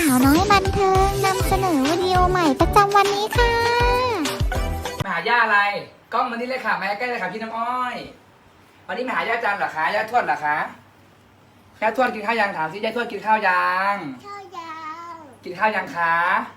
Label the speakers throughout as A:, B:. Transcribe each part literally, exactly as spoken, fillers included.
A: าวน้อยบันเทิงนำเสนอวิดีโอใหม่ประจำวันนี้ค่ะ
B: มาหาย่าอะไรกล้องมันนี่เลยค่ะมาใกล้เลยค่ะพี่น้ำอ้อยวันนี้มาหาย่าจันเหรอคะย่าทวดเหรอคะย่าทวดกินข้าวยังถามสิย่าทวดกินข้าวยัง
A: ข้าวยัง
B: กินข้าวยังคะ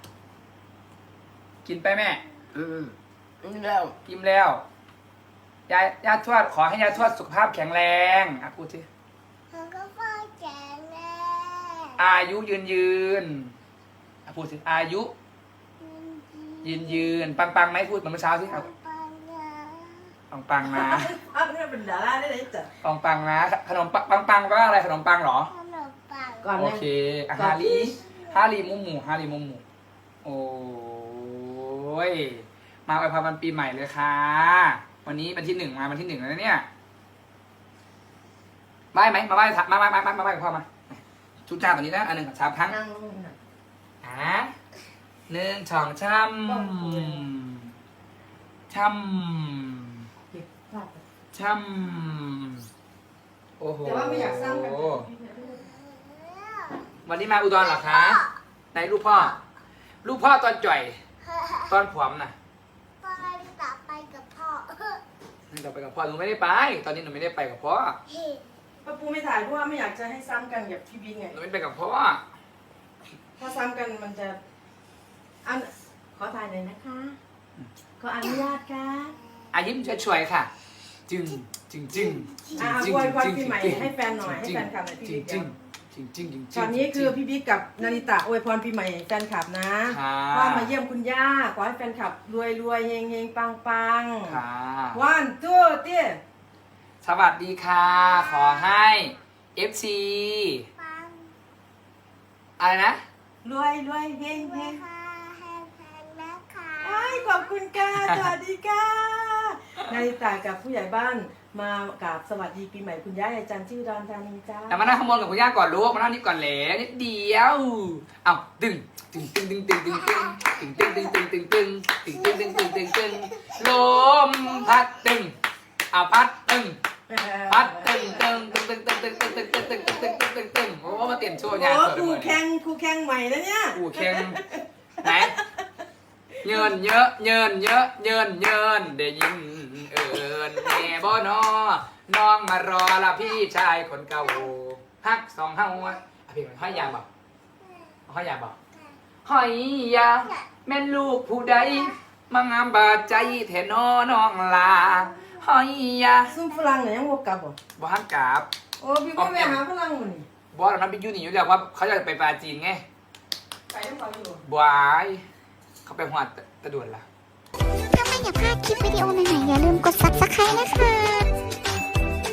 B: กินไปแม่
C: อืมนี่แล้ว
B: กินแล้วย่าย่าทวดขอให้ย่าทวดสุขภาพแข็งแรงอ่ะพูดสิ
A: มันก็พ่อแก่แน่
B: อายุยืนยืนอ่ะพูดสิอายุยืนยืนปังปังไหมพูดเหมือนเมื่อเช้าสิครับ
A: ปังนะ
B: ปังปังนะ
C: อ้าวนี่เป็นดาราได้เลยจ้ะ
B: ปังปังนะขนมปังปังปังแปลว่าอะไรขนมปังเหรอ
A: ขนมปัง
C: ก่อน
B: โอ
C: นะ
B: เคอ่ะฮารีฮารีมุมหมูฮารีมุมหมูโอ้ยมาอวยพรวันปีใหม่เลยค่ะวันนี้วันที่หนึ่งมาวันที่หนึ่งแล้วเนี่ยไหว้ไหมมาไหว้มาไหว้มาไหว้มาไหว้กับพ่อมาชุดจ้าตัวนี้นะอันหนึ่งสามครั้ง
C: นั่งลงน่ะ
B: อ่ะหนึ่งสองช่ำช่ำ
C: เก็บภาพ
B: ช่ำโอ้โห
C: แต่ว่าไม่อยากสร้างกัน
B: วันนี้มาอุดรเหรอคะไหนลูกพ่อ ลูกพ่อตอนจ่อย ตอนผอมน่ะ
A: ตอนต่อไปกับพ่อ
B: เราไปกับพ่อหนูไม่ได้ไป ตอนนี้หนูไม่ได้ไปกับพ่อ
A: เฮ้ย
C: ป้าปูไม่ถ่ายเพราะว่าไม่อยากจะให้ซ้ำกันกับพี่บิ๊กไง
B: หนูไม่ไปกับพ่อ
C: ถ้าซ้ำกันมันจะอันขอถ่ายหน่อยนะคะ ขออนุญาตค่ะ
B: อายิ้มช่วยๆค่ะ จึงจึงจึง
C: อ่าอวยพรปีใหม่ให้แฟนหน่อยให้แฟนคลับหน่อยพี่
B: จึง
C: บิ๊ก
B: จึ
C: เดี๋
B: ง
C: ยว
B: จึงจึงจึง
C: ตอนนี้คือพี่บิ๊กกับนาริตะอวยพรปีใหม่แฟนคลับนะ
B: ค่ะ
C: ว่ามาเยี่ยมคุณย่าขอให้แฟนคลับรวยรวยเฮงเฮงปังปัง
B: ค่ะ
C: วันตู้เตี้ย
B: สวัสดีค่ะ ขอให้ เอฟ ซี
A: ปัง
B: อะไรนะ
C: รวยรวยเฮง
A: ด้
C: เฮ
A: วย
C: ง
A: ค่ะแฮมแพนนะคะ
C: ไอ้ยขอบคุณค่ะสวัสดีค่ะนาริตากับผู้ใหญ่บ้านมากราบสวัสดีปีใหม่คุณย่ายายจันทร์ที่อุดรธานีจ้า
B: แต่มานั่งข้างบนกับคุณย่าก่อนลูกมานั่งนี่ก่อนแหละนิดเดียวเอ้าตึงตึงตึงตึงตึงตึงตึงตึงตึงตึงตึงตึงตึงตึงตึงตึงตึงตึงลมพัดตึงเอาพัดตึงพัดตึงตึงตึงตึงตึงตึงตึงตึงตึงตึงตึงตึงตึงตึงโอ้มาเตรียมโชว์งาน
C: โอ้
B: เปิด
C: ครู
B: เลย
C: แข่งครูแข่งใหม่แล้วเนี่ย
B: กูแข่งไหนเยินเยอะเยินเยอะเยินเยินได้ยินเอิญแม่บ่นอน้องมารอละพี่ชายคนเก่าฮักสองเฮาอ่ะพี่มันห้อยยาบอกห้อยยาบอกห้อยยาแม่นลูกผู้ใดมางามบาดใจแทนอน้องลาห้อยยา
C: ซุ่มฝรั่งเนี่ยยังวกกลับบ่
B: บ่ฮักกราบ
C: โอ้พี่ก็ไปหาฝรั่งมันนี่
B: บอสนั้นไปอยู่นี่อยู่แล้วว่าเขาจะไปปาจีนไง
C: ไปน้ำเขาอยู่
B: บายเขาไปหัวตะด่วนละ
A: ถ้าไม่อยากพลาดคลิปวิดีโอใหม่ๆอย่าลืมกด ซับสไครบ์